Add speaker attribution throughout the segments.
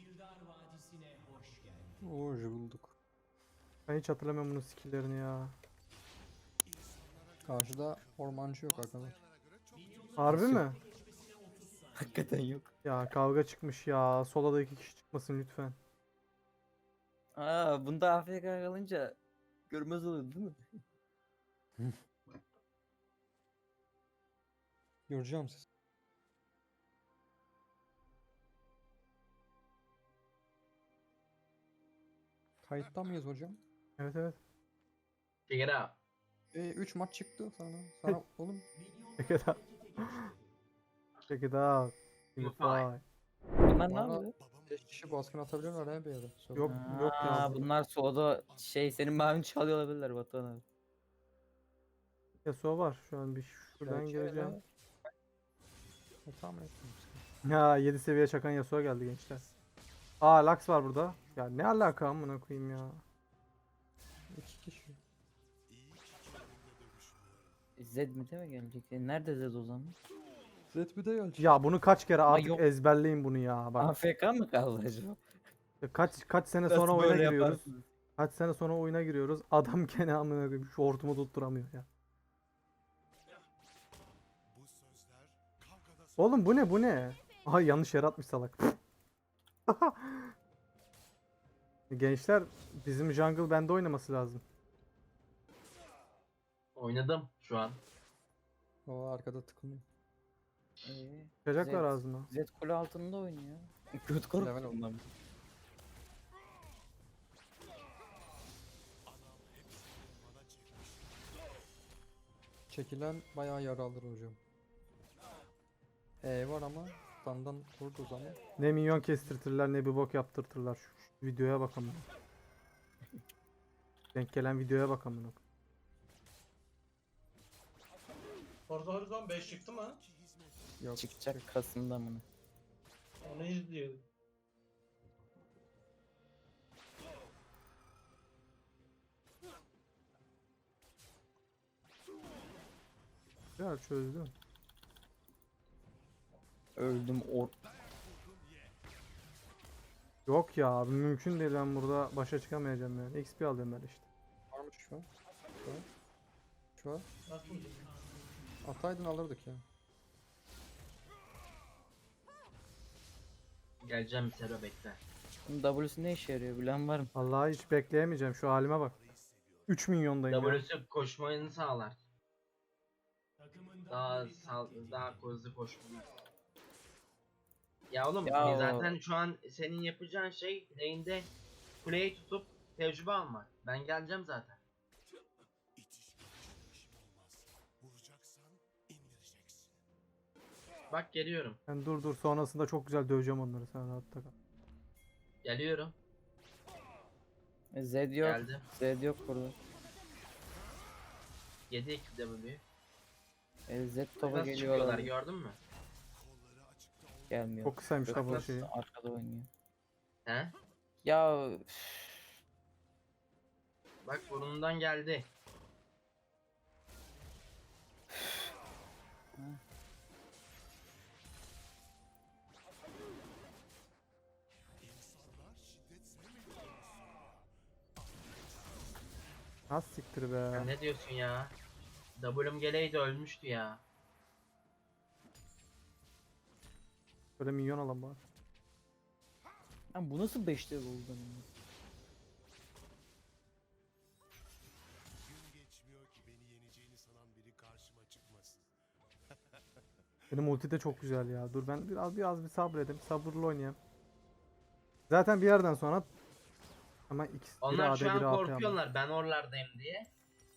Speaker 1: Oo bulduk.
Speaker 2: Ben hiç hatırlamıyorum bunun skill'lerini ya.
Speaker 1: Karşıda ormancı yok arkadaş.
Speaker 2: Harbi
Speaker 1: Nasıl
Speaker 2: mi?
Speaker 1: yok? Hakikaten yok.
Speaker 2: Ya kavga çıkmış ya. Solada 2 kişi çıkmasın lütfen.
Speaker 3: Aa, bunda AFK kalınca görmez oluyor değil mi?
Speaker 1: Göreceğim siz. Kayıtta mıyız hocam?
Speaker 2: Evet evet.
Speaker 4: Check it out.
Speaker 1: 3 maç çıktı sana. Sana oğlum.
Speaker 2: Check it out. Check it out. Unify.
Speaker 3: Bunlar ne
Speaker 1: Bana
Speaker 3: yapıyor?
Speaker 1: 5 kişi baskın atabiliyorlar he bir yere. Sorun
Speaker 2: Yok
Speaker 1: yok.
Speaker 2: yok ya.
Speaker 3: Aa, bunlar soda senin mavini çalıyor olabilirler Batuhan abi.
Speaker 2: Yasuo var. Şu an bir şuradan
Speaker 1: Gerçi öyle.
Speaker 2: gireceğim.
Speaker 1: Tahmin ettim.
Speaker 2: Ya 7 seviye çakan Yasuo geldi gençler. Aa Lux var burada. Ya ne alaka amına koyayım ya.
Speaker 1: 2 kişi.
Speaker 3: Zed mi değil mi gelecek? Nerede Zed o zaman?
Speaker 1: Zed bir de gelecek.
Speaker 2: Ya bunu kaç kere artık
Speaker 3: yok.
Speaker 2: ezberleyin bunu ya. Bak
Speaker 3: AFK mı kaldı acaba?
Speaker 2: kaç sene
Speaker 3: Nasıl
Speaker 2: sonra oyuna
Speaker 3: böyle
Speaker 2: giriyoruz.
Speaker 3: yaparsınız?
Speaker 2: Kaç sene sonra oyuna giriyoruz. Adam gene amına koyayım şu hortumu tutturamıyor ya. Oğlum bu ne bu ne? Aha yanlış yere atmış salak. Gençler bizim jungle bende oynaması lazım.
Speaker 4: Oynadım şu an.
Speaker 1: O arkada tıkınıyor.
Speaker 2: Çıkacaklar
Speaker 3: Zed-
Speaker 2: ağzıma.
Speaker 3: Zed kule altında oynuyor. Kötü korktu
Speaker 1: Level oldu.
Speaker 3: bundan.
Speaker 1: Çekilen bayağı yara alır hocam. Var ama standdan vurduğu zaman
Speaker 2: Ne minyon kestirtirler ne bir bok yaptırtırlar. Şu videoya bakalım. Denk gelen videoya bakalım.
Speaker 5: Forza Horizon 5 çıktı mı?
Speaker 1: yok.
Speaker 3: Çıkacak Kasım'da mı?
Speaker 5: Onu izliyorum.
Speaker 2: Ya çözdüm.
Speaker 3: Öldüm
Speaker 2: Yok ya abi mümkün değil ben burada başa çıkamayacağım yani. XP alıyorum ben işte.
Speaker 1: Varmış şu an. Şu an. Şu an.
Speaker 5: Nasıl?
Speaker 1: Ataydın alırdık ya.
Speaker 4: Geleceğim Sero bekle.
Speaker 3: Bunun W'su ne işe yarıyor bilen var mı?
Speaker 2: Vallahi hiç bekleyemeyeceğim şu halime bak. 3 milyondayım ya.
Speaker 4: W'su koşmayı sağlar. Daha hızlı koşmayı. Ya oğlum
Speaker 3: Ya
Speaker 4: zaten şu an senin yapacağın şey lane'de kuleyi tutup tecrübe almak. Ben geleceğim zaten. Bak geliyorum.
Speaker 2: Ben dur sonrasında çok güzel döveceğim onları sen rahatta kal.
Speaker 4: Geliyorum.
Speaker 3: Zed yok.
Speaker 4: Geldim.
Speaker 3: Zed yok burada.
Speaker 4: 7 W.
Speaker 3: Zed topa
Speaker 4: Nasıl
Speaker 3: geliyor
Speaker 4: çıkıyorlar
Speaker 3: olabilir.
Speaker 4: gördün mü?
Speaker 3: Gelmiyor.
Speaker 2: Çok kısaymış
Speaker 3: Yok,
Speaker 2: la bu
Speaker 3: nasıl
Speaker 2: şeyi.
Speaker 3: arkada oynuyor.
Speaker 4: He?
Speaker 3: Ya
Speaker 4: Bak burnundan geldi.
Speaker 2: Az siktir
Speaker 4: Ya
Speaker 2: be.
Speaker 4: ne diyorsun ya? W'm geleydi ölmüştü ya.
Speaker 2: Böyle minyon alalım bari.
Speaker 3: lan bu nasıl 5'te oldu?
Speaker 2: Benim ulti de çok güzel ya. Dur ben biraz bir sabredeyim. Sabırlı oynayayım. Zaten bir yerden sonra ama ikisi biri
Speaker 4: Onlar
Speaker 2: AD
Speaker 4: şu an
Speaker 2: biri AP ama.
Speaker 4: korkuyorlar ben oralardayım diye.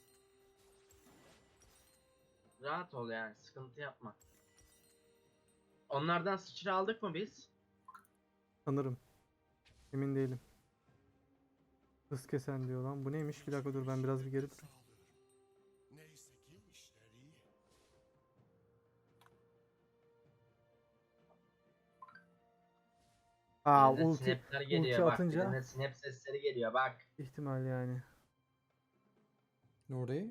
Speaker 4: Rahat ol yani sıkıntı yapma. Onlardan sıçra aldık mı biz?
Speaker 2: Sanırım. Emin değilim. Hız kesen diyor lan. Bu neymiş? Bir dakika dur ben biraz bir geri durayım. Aa
Speaker 4: Birine
Speaker 2: ulti
Speaker 4: snapler geliyor bak.
Speaker 2: atınca
Speaker 4: Birine snap sesleri geliyor bak.
Speaker 2: ihtimal yani.
Speaker 1: Nuri.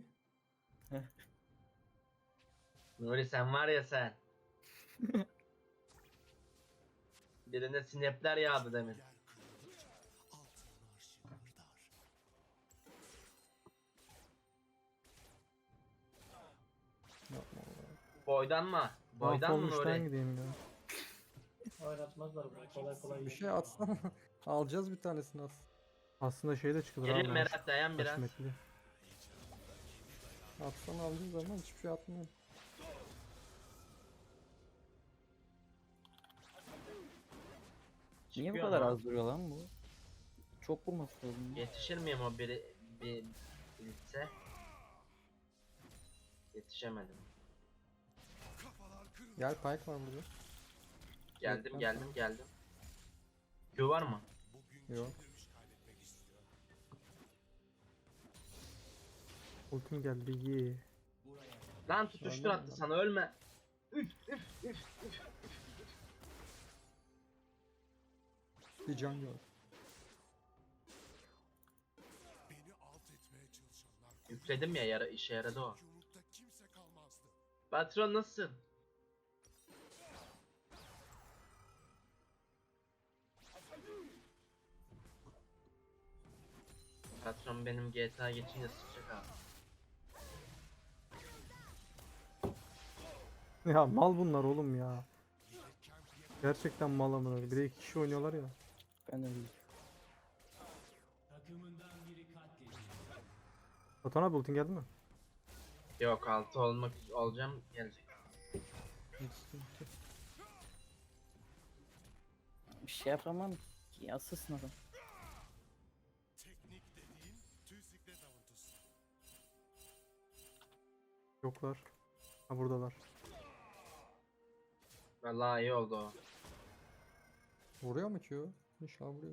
Speaker 4: Nuri sen var ya sen. Birine sinepler yağdı demin.
Speaker 1: Yapma Allah.
Speaker 4: Boydan mı? Boydan mı
Speaker 2: Mahvolmuştan
Speaker 4: oraya?
Speaker 2: gideyim ya.
Speaker 5: Oynatmazlar bunu. Kolay kolay.
Speaker 1: Bir şey atsana. Alacağız bir tanesini as.
Speaker 2: Aslında şey de çıkılır
Speaker 4: Gelin
Speaker 2: abi.
Speaker 4: Merat dayan biraz.
Speaker 2: Haşmetli.
Speaker 1: Atsan alacağız ama hiçbir şey atmıyor.
Speaker 3: Niye bu
Speaker 4: Çıkıyor
Speaker 3: kadar
Speaker 4: ama.
Speaker 3: az duruyor lan bu? Çok vurması lazım. ya.
Speaker 4: Yetişir miyim o bir ilse? Yetişemedim.
Speaker 1: Gel Pike var burada.
Speaker 4: Geldim
Speaker 1: ben
Speaker 4: geldim geldim. Q var mı?
Speaker 1: Yok.
Speaker 2: Ultim geldi. Ye.
Speaker 4: Lan tutuştur
Speaker 1: Aynen
Speaker 4: attı
Speaker 1: lan.
Speaker 4: sana ölme.
Speaker 1: Bir can yok.
Speaker 4: Yükledim ya işe yaradı o. Patron nasılsın? Patron benim GTA geçince sıçacak abi.
Speaker 2: Ya mal bunlar oğlum ya. Gerçekten mal amına. Bir de 2 kişi oynuyorlar ya.
Speaker 3: Ben de değil.
Speaker 2: Batuhan abi ultin geldi mi?
Speaker 4: Yok 6 olacağım gelecek.
Speaker 1: Hiç sıkıntı yok.
Speaker 3: Bir şey yapamam ki. Asılsın adam.
Speaker 2: Yoklar. Ha buradalar.
Speaker 4: Vallahi iyi oldu o.
Speaker 1: Vuruyor mu Q? İnşallah vuruyor.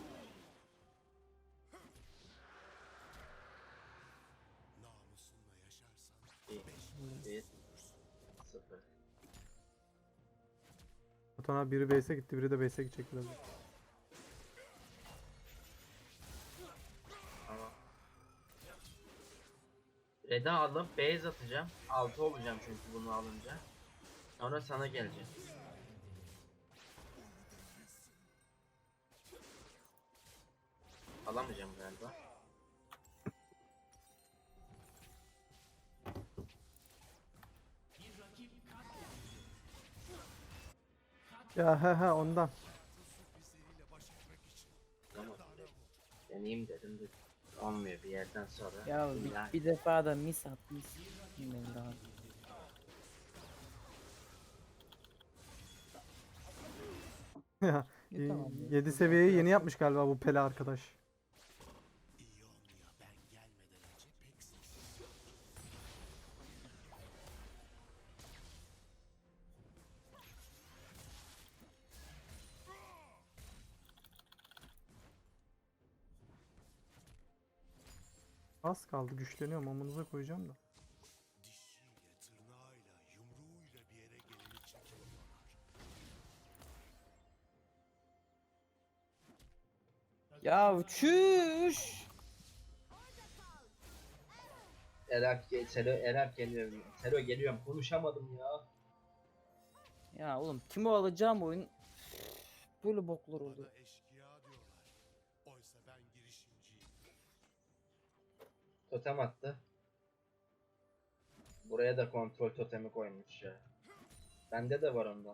Speaker 4: Bir, bir, sıfır.
Speaker 2: Batuhan abi biri base'e gitti, biri de base'e gidecek biraz.
Speaker 4: Tamam. Red'i alıp base atacağım. 6 olacağım çünkü bunu alınca. Sonra sana geleceğim. Alamayacağım galiba.
Speaker 2: Ya he ondan.
Speaker 4: Ama deneyeyim dedim de olmuyor bir yerden sonra.
Speaker 3: Ya
Speaker 4: İlla-
Speaker 3: bir defa da mis at mis. Bilmiyorum daha.
Speaker 2: Ya
Speaker 1: Tamam.
Speaker 2: 7 seviyeyi yeni yapmış galiba bu Pele arkadaş. Az kaldı, güçleniyorum, amınıza koyacağım da.
Speaker 3: Ya çüş.
Speaker 4: Erap geliyor. Sero geliyorum. Konuşamadım ya.
Speaker 3: Ya oğlum kimi alacağım oyun böyle boklar oldu.
Speaker 4: Totem attı. Buraya da kontrol totemi koymuş ya. Bende de var ondan.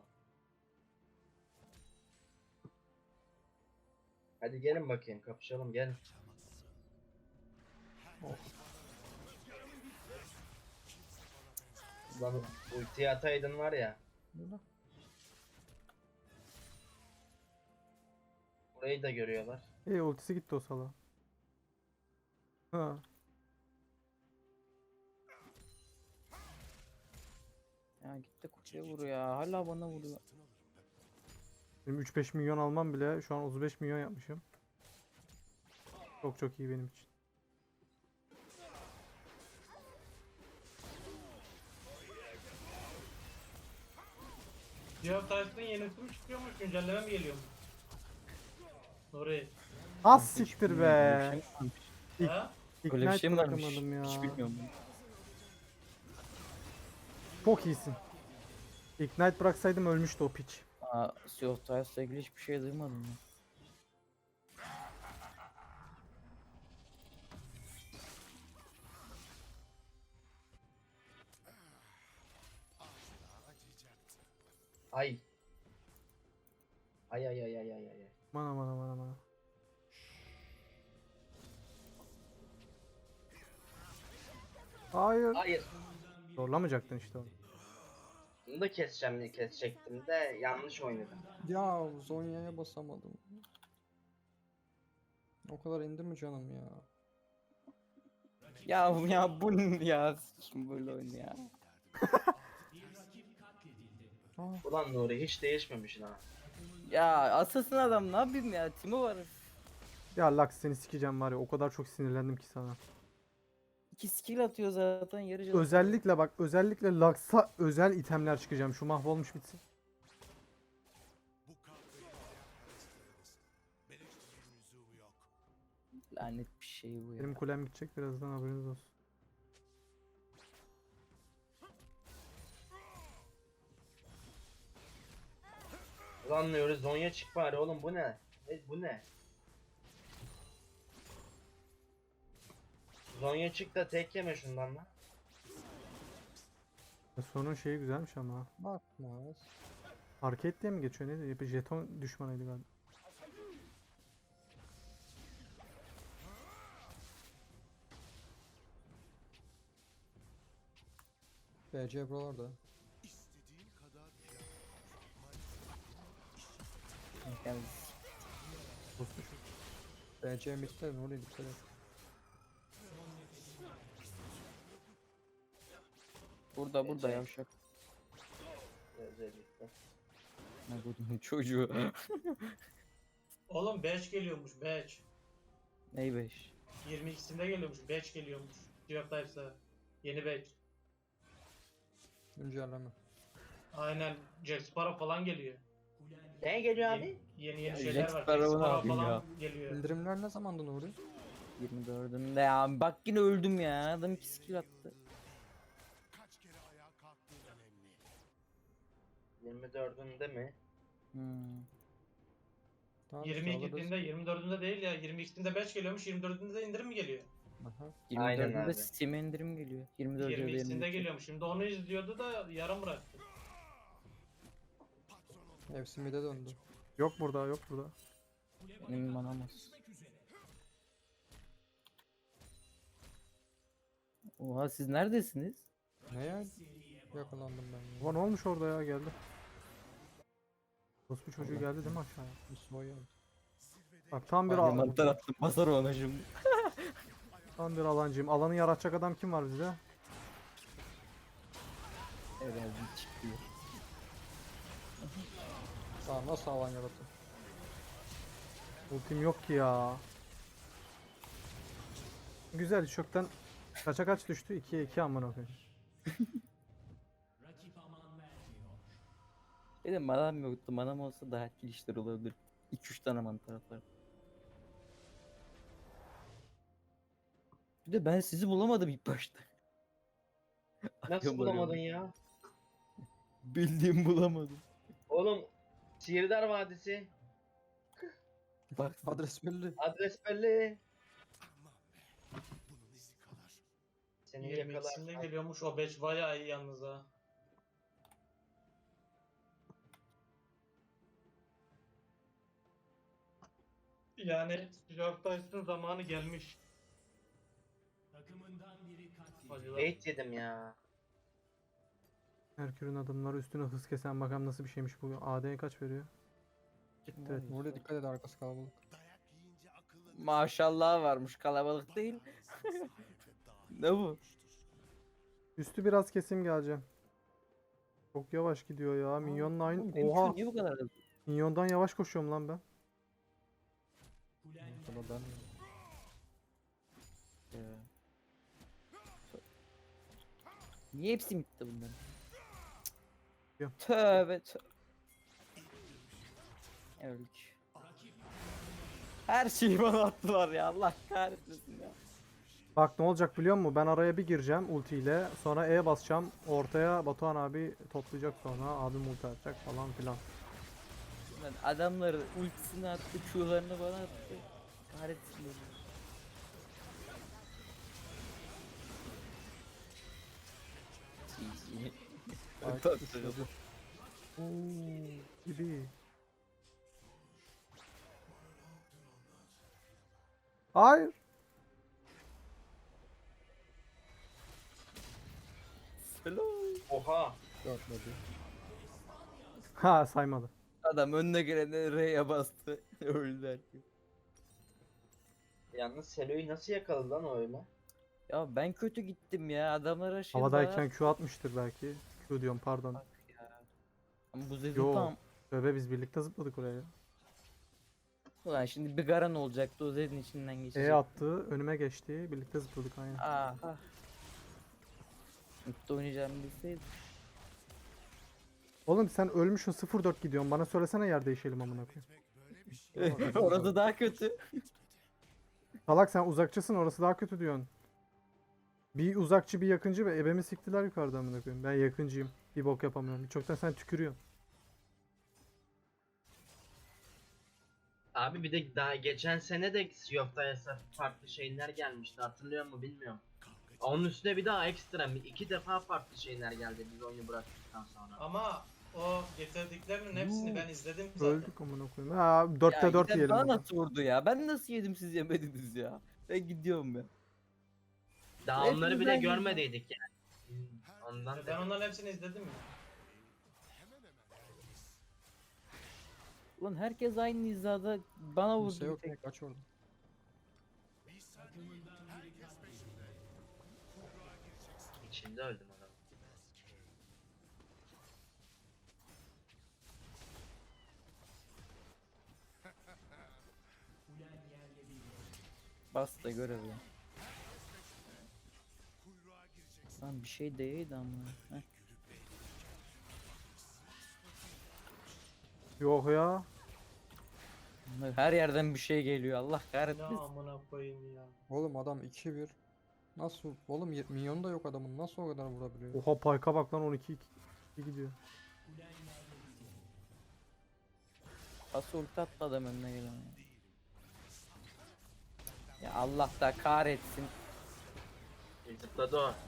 Speaker 4: Hadi gelin bakayım kapışalım gelin. Lan ultiyi ataydın var ya.
Speaker 1: Burada.
Speaker 4: Burayı da görüyorlar.
Speaker 2: Ultisi gitti o sala. Ha.
Speaker 3: Ya gitti kutuya vuruyor ya. Hala bana vuruyor.
Speaker 2: Benim 3-5 milyon almam bile şu an 35 milyon yapmışım. Çok iyi benim için.
Speaker 5: Diğer Tyson'ın yenisi mi çıkıyormuş? Güncelleme mi geliyor? Nuri.
Speaker 2: Az siktir
Speaker 3: Böyle
Speaker 2: be.
Speaker 3: bir şey mi varmış?
Speaker 2: İlk-
Speaker 5: Ha?
Speaker 3: Böyle bir
Speaker 2: Ignite
Speaker 3: şey mi varmış?
Speaker 2: bırakamadım ya.
Speaker 3: Hiç bilmiyorum.
Speaker 2: Çok iyisin. Ignite bıraksaydım ölmüştü o piç.
Speaker 3: Sea of Thieves'la ilgili hiçbir şey duymadım ya.
Speaker 4: Ay. Ay ay ay ay ay ay.
Speaker 2: Aman aman aman aman. Hayır.
Speaker 4: Hayır.
Speaker 2: Zorlamayacaktın işte onu.
Speaker 4: Bunu da keseceğim diye kesecektim de yanlış oynadım.
Speaker 1: Ya Zonya'ya basamadım. O kadar indi mi canım ya?
Speaker 3: Ya bu ne ya? Kim böyle oyun ya?
Speaker 1: Ah,
Speaker 4: Ulan Nuri hiç değişmemişsin ha.
Speaker 3: Ya asasın adam ne yapayım ya? Timo var.
Speaker 2: Ya Lux seni sikeceğim var ya, o kadar çok sinirlendim ki sana.
Speaker 3: 2 skill atıyor zaten yarı canı.
Speaker 2: Özellikle bak, özellikle Lux'a özel itemler çıkacağım. Şu mahvolmuş bitsin.
Speaker 3: Lanet bir şey bu ya.
Speaker 2: Benim kulem gidecek birazdan, haberiniz olsun.
Speaker 4: Ulan Nuri Zonya çık bari oğlum bu ne? Bu ne? Zonya çık da tek yeme şundan lan.
Speaker 2: Sonun şeyi güzelmiş ama.
Speaker 1: bakmaz.
Speaker 2: Arcade diye mi geçiyor neydi? Bir jeton düşmanıydı galiba.
Speaker 1: BC buralarda.
Speaker 3: Yani
Speaker 1: BC midde ne oluyor dikkat et.
Speaker 3: burada yavşak.
Speaker 4: Özellikle.
Speaker 3: Ne bu çocuğu.
Speaker 5: Oğlum batch geliyormuş batch.
Speaker 3: Ney 5?
Speaker 5: 22'sinde geliyormuş batch geliyormuş. Sea of Thieve's'a. Yeni batch.
Speaker 1: Güncelleme.
Speaker 5: Aynen Jack Sparrow falan geliyor.
Speaker 4: Ne geliyor abi?
Speaker 5: Yeni
Speaker 3: Ya
Speaker 5: şeyler
Speaker 3: Jack
Speaker 5: var. Jack
Speaker 3: Sparrow'u ne
Speaker 5: Sparrow
Speaker 3: yapayım
Speaker 5: falan geliyor.
Speaker 1: İndirimler ne zamandı Nuri?
Speaker 3: 24'ünde ya. Bak yine öldüm ya. Adam 2 skill attı.
Speaker 4: 24'ünde mi?
Speaker 3: Hmm.
Speaker 1: Tamam işte alırız.
Speaker 5: 22'sinde 24'ünde değil ya. 22'sinde batch geliyormuş. 24'ünde de indirim mi geliyor?
Speaker 1: Aha.
Speaker 4: Aynen
Speaker 3: 24'ünde
Speaker 4: abi.
Speaker 3: Steam'e indirim geliyor. 24'ünde
Speaker 5: 22'sinde geliyormuş. Şimdi onu izliyordu da yarım bıraktı.
Speaker 1: Hepsi mid'e döndü.
Speaker 2: Yok burada, yok burada.
Speaker 3: Benim manamaz. Oha siz neredesiniz?
Speaker 1: Ne ya? Yakalandım ben ya.
Speaker 2: Ulan ne olmuş orada ya, geldi. Rospu çocuğu geldi değil mi aşağıya?
Speaker 1: Bir soya.
Speaker 2: Bak tam bir
Speaker 3: Mantar attım. Basar ona şimdi.
Speaker 2: tam bir alancıyım. Alanı yaratacak adam kim var bizde?
Speaker 3: Herhalde çıktı.
Speaker 1: Daha nasıl alan yarattın?
Speaker 2: Ultim yok ki ya. Güzel, çökten kaça kaç düştü? 2'ye 2 amına koyayım.
Speaker 3: Benim manam yoktu. Manam olsa daha etkili işler olabilir. 2-3 tane mantar atar. Bir de ben sizi bulamadım ilk başta.
Speaker 4: Nasıl
Speaker 3: Arıyorum,
Speaker 4: bulamadın
Speaker 3: arıyorum.
Speaker 4: ya?
Speaker 3: Bildiğim bulamadım.
Speaker 4: Oğlum Sihirdar Vadisi.
Speaker 3: Bak
Speaker 1: Adres belli.
Speaker 4: Adres belli. Seni
Speaker 5: 22'sinde
Speaker 4: yakalar.
Speaker 5: geliyormuş. O batch bayağı iyi yalnız ha. Yani Sea of Thieve's'ın zamanı gelmiş. Acılar.
Speaker 4: Bait yedim ya.
Speaker 2: Merkür'ün adımları üstüne hız kesen, bakalım nasıl bir şeymiş bu. AD'ye kaç veriyor? Evet.
Speaker 1: Nuri dikkat et, arkası kalabalık.
Speaker 3: maşallah varmış, kalabalık değil. Ne bu?
Speaker 2: Üstü biraz kesim geleceğim. Çok yavaş gidiyor ya. Minyonla
Speaker 3: Oğlum,
Speaker 2: aynı.
Speaker 3: benim
Speaker 2: Oha.
Speaker 3: şu niye bu kadar hızlı?
Speaker 2: Minyondan yavaş koşuyorum lan ben.
Speaker 1: Sonra ben
Speaker 3: Ya. Niye hepsi bitti bunların?
Speaker 2: Yok.
Speaker 3: Tövbe tövbe. Öldük. Her şeyi bana attılar ya, Allah kahretmesin ya.
Speaker 2: Bak ne olacak biliyor musun? Ben araya bir gireceğim ultiyle. Sonra E basacağım. Ortaya Batuhan abi toplayacak sonra. Abim ulti atacak falan filan.
Speaker 3: Lan adamları ultisini attı, Q'larını bana attı. Kahretsin beni. GG.
Speaker 1: Ay,
Speaker 3: Tabii.
Speaker 1: uçladı.
Speaker 2: Gibi. Hayır.
Speaker 3: Hello.
Speaker 4: Oha.
Speaker 1: Dörtledi.
Speaker 2: Ha saymadı.
Speaker 3: Adam önüne gelene R'ye bastı. Öldü herkes.
Speaker 4: Yalnız Selo'yu nasıl yakaladı lan o öyle?
Speaker 3: Ya ben kötü gittim ya. Adamlara şey
Speaker 2: Havadayken Q atmıştır belki. Q diyorum pardon.
Speaker 3: ya. Ama bu Zezu
Speaker 2: Yo.
Speaker 3: tam.
Speaker 2: Bebe biz birlikte zıpladık oraya.
Speaker 3: Ulan şimdi bir Garan olacaktı, o Zed'in içinden geçecek.
Speaker 2: Attı, önüme geçti. Birlikte zıpladık aynen.
Speaker 3: Aha. Mutlu oynayacağımı bilseydim.
Speaker 2: Oğlum sen ölmüşsün 0-4 gidiyorsun. Bana söylesene yer değişelim amına koyayım.
Speaker 3: Orada daha kötü.
Speaker 2: Salak sen uzakçısın orası daha kötü diyorsun. Bir uzakçı bir yakıncı ve ebemi siktiler yukarıda amına koyayım. Ben yakıncıyım. Bir bok yapamıyorum. Çoktan sen tükürüyorsun.
Speaker 4: Abi bir de daha geçen sene de Sea of Thieves'a farklı şeyler gelmişti, hatırlıyor musun bilmiyorum. Onun üstüne bir daha ekstra iki defa farklı şeyler geldi biz oyunu bıraktıktan sonra.
Speaker 5: Ama o getirdiklerinin hepsini ben izledim zaten.
Speaker 2: Öldük amına koyayım. Ha 4'te 4
Speaker 3: giden
Speaker 2: yiyelim.
Speaker 3: bana
Speaker 2: bakalım.
Speaker 3: nasıl vurdu ya? Ben nasıl yedim siz yemediniz ya? Ben gidiyorum ya.
Speaker 4: Daha onları bile
Speaker 3: Hepimizden
Speaker 4: görmediydik yani. Ondan
Speaker 5: Ben
Speaker 4: dedim.
Speaker 5: onların hepsini izledim ya.
Speaker 3: Ulan herkes aynı hizada bana vurdu
Speaker 1: Kimse
Speaker 3: bir
Speaker 1: yok
Speaker 3: tek.
Speaker 1: ne kaç orada.
Speaker 4: İçinde öldüm adam.
Speaker 3: Bas da görev ya. Lan bir şey değildi ama. Heh.
Speaker 2: Yok ya.
Speaker 3: Her yerden bir şey geliyor. Allah
Speaker 5: Ne
Speaker 3: kahretmesin.
Speaker 5: amına koyayım ya.
Speaker 1: Oğlum adam 2-1. Nasıl? Oğlum minyonu da yok adamın. Nasıl o kadar vurabiliyor?
Speaker 2: Oha Payka bak lan 12 gidiyor.
Speaker 3: Pas ulti attı adam önüne gelen. Ya Allah da kahretsin.
Speaker 4: Zıpladı o.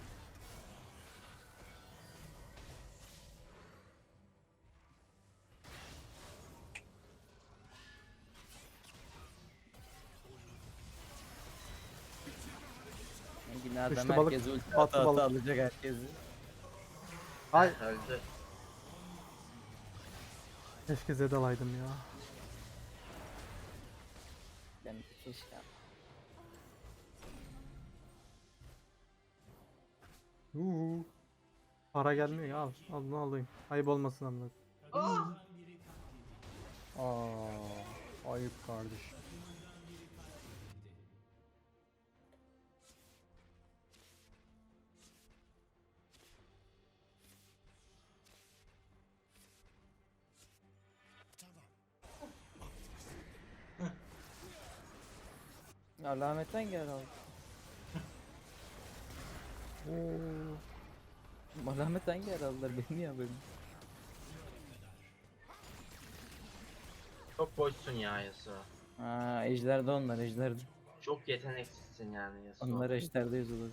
Speaker 3: Yine adam
Speaker 2: Üçlü balık,
Speaker 3: herkes ulti
Speaker 2: batı
Speaker 3: ata
Speaker 2: balık.
Speaker 3: alacak herkesi.
Speaker 2: Ay
Speaker 4: Öldü.
Speaker 2: keşke Zed alaydım ya.
Speaker 3: Ben de keşke.
Speaker 1: Uhu.
Speaker 2: Para gelmiyor ya al. Al bunu alayım. Ayıp olmasın amına.
Speaker 1: Ayıp kardeş.
Speaker 3: Ya lahmetten gel abi. Lahmetten gel aldılar beni ya benim.
Speaker 4: Çok boşsun ya Yasuo.
Speaker 3: Ha ejderde onlar ejderde.
Speaker 4: Çok yeteneksizsin yani Yasuo.
Speaker 3: Onlar ejderde yazılır.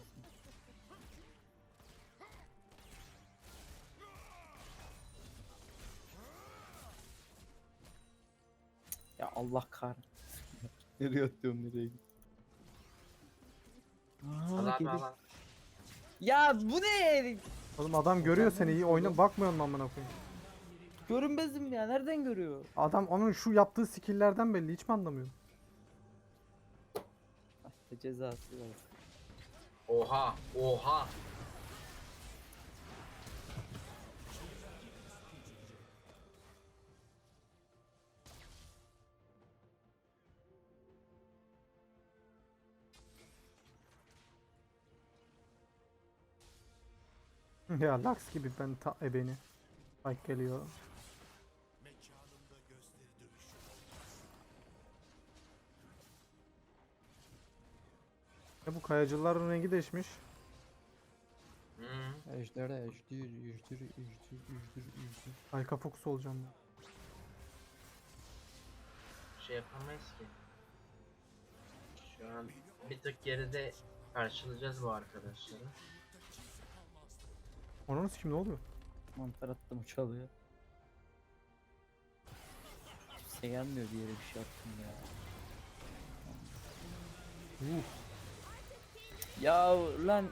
Speaker 3: Ya Allah kahretsin. Nereye atıyorum nereye gidiyorum.
Speaker 4: Al abi al.
Speaker 3: Ya bu ne?
Speaker 2: Oğlum adam görüyor seni iyi oyna bakmıyor mu amına koyayım?
Speaker 3: Görünmezim ya, nereden görüyor?
Speaker 2: Adam onun şu yaptığı skill'lerden belli hiç mi anlamıyor?
Speaker 3: Ah, cezası var.
Speaker 4: Oha oha.
Speaker 2: Ya Lux gibi ben ta ebeni. Bak geliyor. Ya bu kayacıların rengi değişmiş.
Speaker 4: Hı.
Speaker 1: Ejder'e ejdir.
Speaker 2: Ayka fokus olacağım ben.
Speaker 4: şey yapamayız ki. Şu an bir tık geride karşılayacağız bu arkadaşları.
Speaker 2: Onun kim ne oluyor?
Speaker 3: Mantar attım çalıyor. Kimse gelmiyor bir yere bir şey attım ya. Ya lan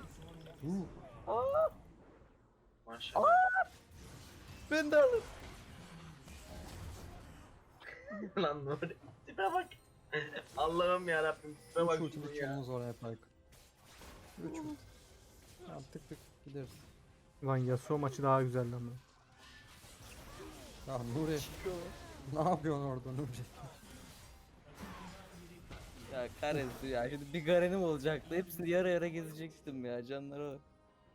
Speaker 4: Maşallah.
Speaker 3: ben de alırım.
Speaker 4: Lan Nuri. Tipe bak. Allah'ım yarabbim. Tipe
Speaker 1: 3
Speaker 4: bak şuna
Speaker 1: ultilik
Speaker 4: ya.
Speaker 1: yolumuz var hep Aykut. 3 ulti. Tamam tık tık gideriz.
Speaker 2: Lan Yasuo maçı daha güzeldi ama.
Speaker 1: Ya Nuri. Ne yapıyorsun orada Nuri?
Speaker 3: Ya karesi ya şimdi bir garenim olacaktı. Hepsini yara yara gezecektim ya canları var.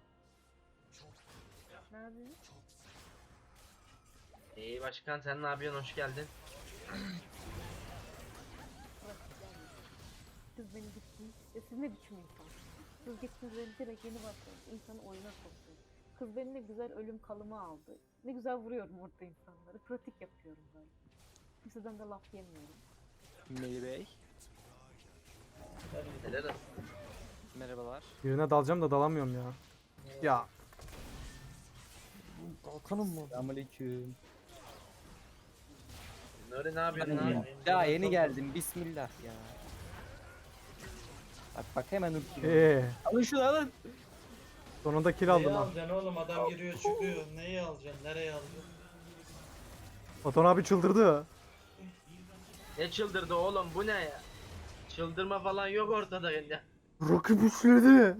Speaker 6: Ne yapıyorsun?
Speaker 4: İyi başkan sen ne yapıyorsun? Hoş geldin.
Speaker 6: Kız beni gittiniz. Siz ne biçim insan? Kız gittiniz beni direkt yeni başladınız. İnsanı oyuna soktun. Kız beni ne güzel ölüm kalımı aldı. Ne güzel vuruyorum orada insanları. Pratik yapıyorum böyle. Kimseden de laf yemiyorum.
Speaker 3: Melih Bey.
Speaker 4: Helal olsun.
Speaker 3: Merhabalar.
Speaker 2: Birine dalacağım da dalamıyorum ya. Ya
Speaker 1: Kalkanım mı?
Speaker 3: Selamünaleyküm.
Speaker 4: Nuri ne yapıyorsun lan?
Speaker 3: Ya yeni geldim bismillah ya. Bak hemen ulti. Alın şunu alın.
Speaker 2: sonunda kill
Speaker 5: Neyi
Speaker 2: aldım ha.
Speaker 5: alacaksın oğlum? Adam giriyor çıkıyor. Neyi alacaksın? Nereye alacaksın?
Speaker 2: Batuhan abi çıldırdı.
Speaker 4: Ne çıldırdı oğlum bu ne ya? Çıldırma falan yok ortada ya.
Speaker 2: Rakip üçledi.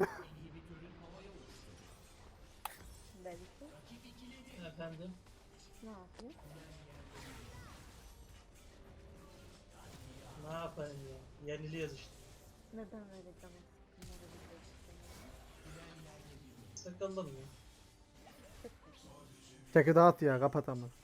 Speaker 6: Belki.
Speaker 5: Efendim?
Speaker 6: Ne yapıyor?
Speaker 5: Ne yapayım ya? Yeniliyoruz işte.
Speaker 6: Neden öyle canım sıkkınları biliyorsun?
Speaker 5: Sıkıldım ya.
Speaker 6: Sıkkın.
Speaker 2: Çeki dağıt ya kapat ama.